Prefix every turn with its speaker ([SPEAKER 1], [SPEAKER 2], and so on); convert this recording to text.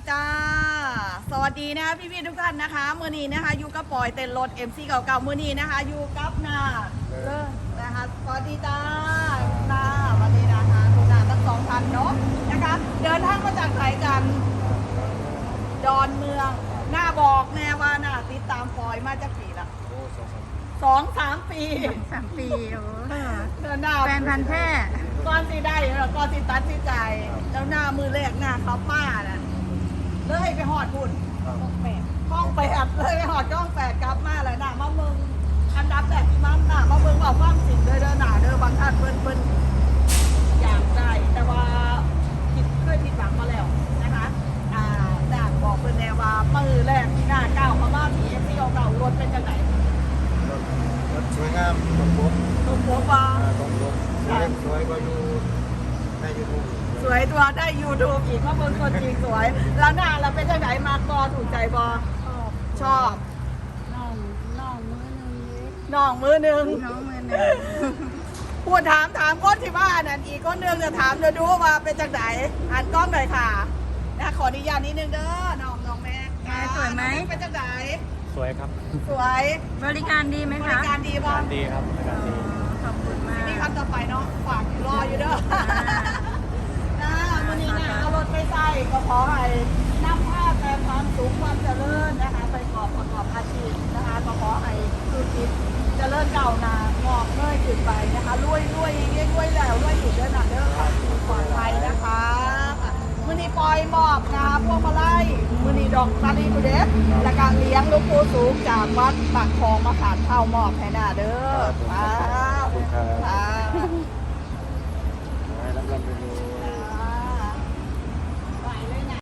[SPEAKER 1] จ้าสวัสดีนะคะพี่ๆทุกท่านนะคะมื้อนี้นะคะอยู่กับปอยเต้นรถ MC เก่าๆมื้อนี้นะคะอยู่กับนาเลิศนะคะสวัสดีจ้านาสวัสดีนะคะคุณนาทั้งสองท่านเนาะนะคะเดินทางมาจากไหนกันดอนเมืองหน้าบอกแน่ว่าน่าติดตามปอยมาจากปีละ2-3 ปี
[SPEAKER 2] 3 ปีโอ้
[SPEAKER 1] เดินหน้า
[SPEAKER 2] แฟนพันธุ์แท้
[SPEAKER 1] ก้อนสิได้แล้วก้อนสิตัดสิใจแล้วหน้ามือแรกหน้าเขาป้าน่ะเลยไปหอดบุญห้องแปดเลยไปหอดห้อง8กลับมาเลยหน้ามาเมืองอันดับแรกที่มันหน้ามาเมืองบอกความจริงเลยเด้อหน้าเด้อบางท่านเพิ่นอยากได้แต่ว่าเคยผิดหวังมาแล้วนะคะหน้าบอกเพิ่นแน่ว่ามือแรกที่หน้าก้าวเข้ามาที่ FC เก่ารถเป็นจังไหน
[SPEAKER 3] รถสวยงามตรงปก
[SPEAKER 1] ตรงปกว่า
[SPEAKER 3] ตรงปกสวยกว่าอยู่ในยูทูบ
[SPEAKER 1] สวยตัวได้ YouTube อีกเพราะเบิ่งคนจริงสวย แล้วหน้าเราเป็นจังไหนมากอถูกใจบอชอบ
[SPEAKER 2] น้องมือหนึ่ง
[SPEAKER 1] น้องมือหนึ่ง
[SPEAKER 2] น้องมือหนึ่ง
[SPEAKER 1] พูดถามคนที่บ้านนั่นอีกคนนึงจะถามจะดูว่าเป็นจังไหนหันกล้องหน่อยค่ะนะขออนุญาตนิดนึงเด้อน้องแม่
[SPEAKER 2] สวยไหม
[SPEAKER 1] เป็นจังไหน
[SPEAKER 3] สวยครับ
[SPEAKER 1] สวย
[SPEAKER 2] บริการดีไหม
[SPEAKER 1] บ
[SPEAKER 2] คะ
[SPEAKER 1] ริการดีบ้าง
[SPEAKER 3] ดีครับบริการดี
[SPEAKER 2] ขอบคุณมาก
[SPEAKER 1] นี่คำต่อไปเนาะฝากรออยู่เด้อวันนี้นะเอารถไปใส่ก็ขอให้นำผ้าแต่ความสูงความเจริญนะคะไปประกอบอาชีพนะคะก็ขอให้ธุรกิจเจริญเก่าหนางอกเงยขึ้นไปนะคะรวยอย่างเงี้ยรวยแล้วรวยอยู่เด้อหนาเด้อค่ะปลอดภัยนะคะมื้อนี้ปล่อยมอบนะพวกมาไล่มื้อนี้ดอกตาลีกุเดสและการเลี้ยงลูกปูสูงจากวัดปากคลองมาขาดเข้ามอบให้หน้าเด้อ
[SPEAKER 3] ขอบคุณครับ
[SPEAKER 1] ค่ะ
[SPEAKER 3] ให้รับรางวัล